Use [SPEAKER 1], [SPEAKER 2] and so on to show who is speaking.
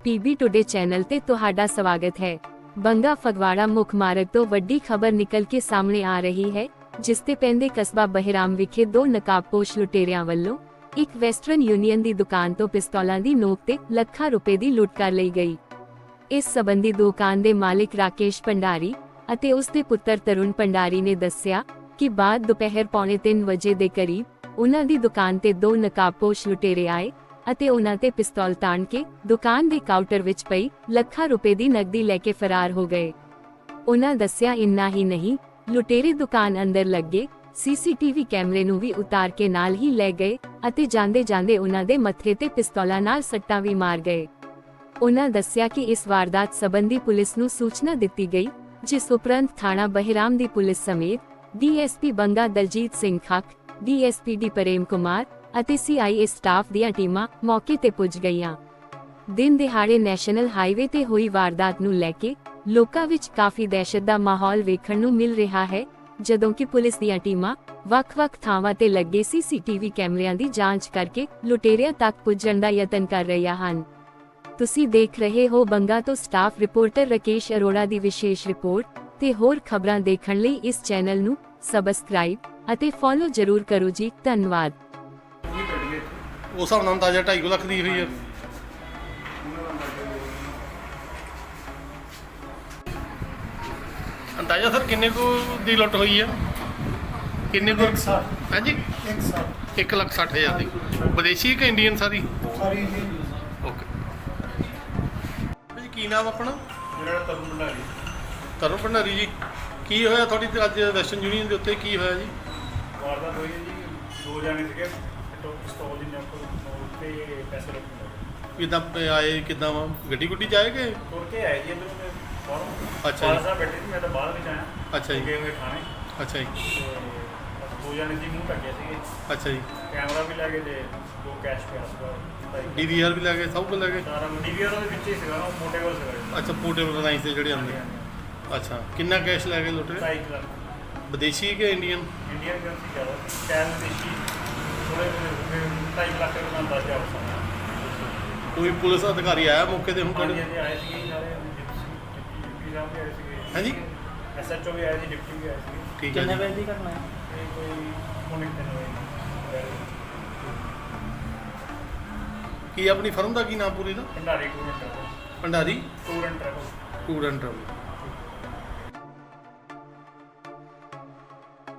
[SPEAKER 1] PB today channel ਤੇ ਤੁਹਾਡਾ ਸਵਾਗਤ ਹੈ। ਬੰਗਾ ਫਗਵਾੜਾ ਮੁੱਖ ਮਾਰਗ ਤੋਂ ਵੱਡੀ ਖਬਰ ਨਿਕਲ ਕੇ ਸਾਹਮਣੇ ਆ ਰਹੀ ਹੈ, ਜਿਸ ਤੇ ਪੈਂਦੇ ਕਸਬਾ ਬਹਿਰਾਮ ਵਿਖੇ ਦੋ ਨਕਾਬਪੋਸ਼ ਲੁਟੇਰਿਆਂ ਵੱਲੋਂ ਇੱਕ ਵੈਸਟਰਨ ਯੂਨੀਅਨ ਦੀ ਦੁਕਾਨ ਤੋਂ ਪਿਸਤੌਲਾਂ ਦੀ ਨੋਕ ਤੇ ਲੱਖਾਂ ਰੁਪਏ ਦੀ ਲੁੱਟ ਕਰ ਲਈ ਗਈ। ਇਸ ਸੰਬੰਧੀ ਦੁਕਾਨ ਦੇ ਮਾਲਿਕ ਰਾਕੇਸ਼ ਭੰਡਾਰੀ ਅਤੇ ਉਸ ਦੇ ਪੁੱਤਰ ਤਰੁਣ ਭੰਡਾਰੀ ਨੇ ਦੱਸਿਆ ਕਿ ਬਾਅਦ ਦੁਪਹਿਰ 2:45 ਵਜੇ ਦੇ ਕਰੀਬ ਉਹਨਾਂ ਦੀ ਦੁਕਾਨ ਤੇ ਦੋ ਨਕਾਬਪੋਸ਼ ਲੁਟੇਰੇ ਆਏ ਅਤੇ ਉਹਨਾਂ ਤੇ ਪਿਸਤੌਲ ਤਾਣ ਕੇ ਦੁਕਾਨ ਦੇ ਕਾਊਂਟਰ ਵਿੱਚ ਪਈ ਲੱਖਾਂ ਰੁਪਏ ਦੀ ਨਕਦੀ ਲੈ ਕੇ ਫਰਾਰ ਹੋ ਗਏ। ਉਹਨਾਂ ਦੱਸਿਆ ਇੰਨਾ ਹੀ ਨਹੀਂ, ਲੁਟੇਰੇ ਦੁਕਾਨ ਅੰਦਰ ਲੱਗੇ ਸੀਸੀਟੀਵੀ ਕੈਮਰੇ ਨੂੰ ਵੀ ਉਤਾਰ ਕੇ ਨਾਲ ਹੀ ਲੈ ਗਏ ਅਤੇ ਜਾਂਦੇ ਉਹਨਾਂ ਦੇ ਮੱਥੇ ਤੇ ਪਿਸਤੌਲਾਂ ਨਾਲ ਸੱਟਾਂ ਵੀ ਮਾਰ ਗਏ। ਉਹਨਾਂ ਦੱਸਿਆ ਕਿ ਇਸ ਵਾਰਦਾਤ ਸੰਬੰਧੀ ਪੁਲਿਸ ਨੂੰ ਸੂਚਨਾ ਦਿੱਤੀ ਗਈ, ਜਿਸ ਉਪਰੰਤ ਥਾਣਾ ਬਹਿਰਾਮ ਦੀ ਪੁਲਿਸ ਸਮੇਤ DSP Banga Daljit Singh Khakh, DSP D Prem Kumar ਅਤੇ ਸੀਆਈਏ ਸਟਾਫ ਦੀਆਂ ਟੀਮਾਂ ਮੌਕੇ ਤੇ ਪੁੱਜ ਗਈਆਂ। ਦਿਨ ਦਿਹਾੜੇ ਨੈਸ਼ਨਲ ਹਾਈਵੇ ਤੇ ਹੋਈ ਵਾਰਦਾਤ ਨੂੰ ਲੈ ਕੇ ਲੋਕਾਂ ਵਿੱਚ ਕਾਫੀ ਦਹਿਸ਼ਤ ਦਾ ਮਾਹੌਲ ਵੇਖਣ ਨੂੰ ਮਿਲ ਰਿਹਾ ਹੈ, ਜਦੋਂ ਕਿ ਪੁਲਿਸ ਦੀਆਂ ਟੀਮਾਂ ਵੱਖ-ਵੱਖ ਥਾਵਾਂ ਤੇ ਲੱਗੇ ਸੀਸੀਟੀਵੀ ਕੈਮਰਿਆਂ ਦੀ ਜਾਂਚ ਕਰਕੇ ਲੁਟੇਰਿਆਂ ਤੱਕ ਪੁੱਜਣ ਦਾ ਯਤਨ ਕਰ ਰਹੀਆਂ ਹਨ। ਤੁਸੀਂ ਦੇਖ ਰਹੇ ਹੋ ਬੰਗਾ ਤੋਂ ਸਟਾਫ ਰਿਪੋਰਟਰ ਰਾਕੇਸ਼ ਅਰੋੜਾ ਦੀ ਵਿਸ਼ੇਸ਼ ਰਿਪੋਰਟ ਤੇ ਹੋਰ ਖਬਰਾਂ ਦੇਖਣ ਲਈ ਇਸ ਚੈਨਲ ਨੂੰ ਸਬਸਕ੍ਰਾਈਬ ਅਤੇ ਫੋਲੋ ਜ਼ਰੂਰ ਕਰੋ ਜੀ। ਧੰਨਵਾਦ।
[SPEAKER 2] ਉਸ ਹਿਸਾਬ ਨਾਲ ਅੰਦਾਜ਼ਾ 2.5 ਲੱਖ ਦੀ ਹੋਈ ਹੈ। ਅੰਦਾਜ਼ਾ ਸਰ ਕਿੰਨੇ ਕੁ ਦੀ ਲੁੱਟ ਹੋਈ ਹੈ? ਕਿੰਨੇ ਕੁ? ਹਾਂਜੀ 1,60,000 ਦੀ। ਵਿਦੇਸ਼ੀ ਕਿ ਇੰਡੀਅਨ ਸਾਰੀ? ਓਕੇ ਜੀ। ਕੀ ਨਾਮ ਆਪਣਾ?
[SPEAKER 3] ਮੇਰਾ ਤਰੁਣ ਭੰਡਾਰੀ।
[SPEAKER 2] ਤਰੁਣ ਭੰਡਾਰੀ ਜੀ, ਕੀ ਹੋਇਆ ਤੁਹਾਡੀ ਅੱਜ ਵੈਸਟਰਨ ਯੂਨੀਅਨ ਦੇ ਉੱਤੇ? ਕੀ ਹੋਇਆ ਜੀ?
[SPEAKER 3] ਵਾਰਦਾਤ ਹੋਈ ਹੈ ਜੀ, ਦੋ ਜਾਣੇ ਸੀਗੇ, ਪਿਸਤੌਲ ਦੀ ਨੋਕ ਤੇ ਪੈਸੇ ਰੱਖਣ
[SPEAKER 2] ਕਿੱਦਾਂ ਆਏ? ਕਿੱਦਾਂ ਵਾ ਗੱਡੀ ਗੁੱਡੀ 'ਚ ਆਏ ਕਿ
[SPEAKER 3] ਤੁਰ ਕੇ ਆਏ ਜੀ ਇੱਧਰੋਂ ਮੈਂ ਬਾਹਰੋਂ।
[SPEAKER 2] ਅੱਛਾ ਜੀ।
[SPEAKER 3] ਸਾਹਿਬ ਬੈਠੇ ਸੀ, ਮੈਂ ਤਾਂ ਬਾਹਰ ਵਿੱਚ ਆਇਆ।
[SPEAKER 2] ਅੱਛਾ ਜੀ।
[SPEAKER 3] ਗਏ ਹੋਏ ਖਾਣੇ
[SPEAKER 2] ਅੱਛਾ ਜੀ।
[SPEAKER 3] ਤੇ ਦੋ ਜਾਣੇ ਸੀ, ਮੂੰਹ ਢੱਕੇ ਸੀਗੇ।
[SPEAKER 2] ਅੱਛਾ ਜੀ।
[SPEAKER 3] ਕੈਮਰਾ ਵੀ ਲੈ ਗਏ ਤੇ ਦੋ ਕੈਸ਼ ਪਿਆ ਸੀਗਾ।
[SPEAKER 2] ਡੀਵੀਆਰ ਵੀ ਲੈ ਗਏ, ਸਭ ਕੁਝ ਲੈ ਗਏ?
[SPEAKER 3] ਸਾਰਾ ਡੀਵੀਆਰ ਉਹਦੇ ਵਿੱਚ ਹੀ ਸੀਗਾ ਨਾ, ਮੋਟੇ ਕੋਲ ਸੀਗਾ।
[SPEAKER 2] ਅੱਛਾ, ਪੋਰਟੇਬਲ ਲਾਈਨਸ ਦੇ ਜਿਹੜੇ ਆਉਂਦੇ। ਅੱਛਾ, ਕਿੰਨਾ ਕੈਸ਼ ਲੈ ਗਏ ਲੁੱਟੇ?
[SPEAKER 3] 2.5 ਲੱਖ।
[SPEAKER 2] ਵਿਦੇਸ਼ੀ ਕਿ ਇੰਡੀਅਨ?
[SPEAKER 3] ਇੰਡੀਅਨ ਕਰੰਸੀ ਜ਼ਿਆਦਾ ਕੈਸ਼ ਦੇਸ਼ੀ ਥੋੜੇ 2.5 ਲੱਖ ਦਾ ਅੰਦਾਜ਼ਾ ਹੋ ਸਕਦਾ।
[SPEAKER 2] ਕੋਈ ਪੁਲਿਸ ਅਧਿਕਾਰੀ ਆਇਆ ਮੌਕੇ ਤੇ ਹੁਣ ਤੁਹਾਡੇ?
[SPEAKER 3] ਹਾਂਜੀ ਆਏ ਸੀਗੇ ਸਾਰੇ, ਡਿਪਟੀ ਸਾਹਿਬ ਵੀ ਆਏ ਸੀਗੇ।
[SPEAKER 2] ਹਾਂਜੀ।
[SPEAKER 3] ਐਸਐਚਓ ਵੀ ਆਏ ਸੀ, ਡਿਪਟੀ ਵੀ ਆਏ ਸੀਗੇ।
[SPEAKER 2] ਠੀਕ ਹੈ ਜੀ।
[SPEAKER 4] ਕਿੰਨੇ ਵਜੇ ਦੀ ਘਟਨਾ ਹੈ?
[SPEAKER 3] ਇਹ ਕੋਈ ਪੌਣੇ 3 ਵਜੇ।
[SPEAKER 2] ਕੀ ਆਪਣੀ ਫਰਮ ਦਾ ਕੀ ਨਾਮ ਪੂਰੀ ਦਾ?
[SPEAKER 3] Bhandari tour and travel.
[SPEAKER 2] Bhandari
[SPEAKER 3] tour and travel.
[SPEAKER 2] Tour and travel.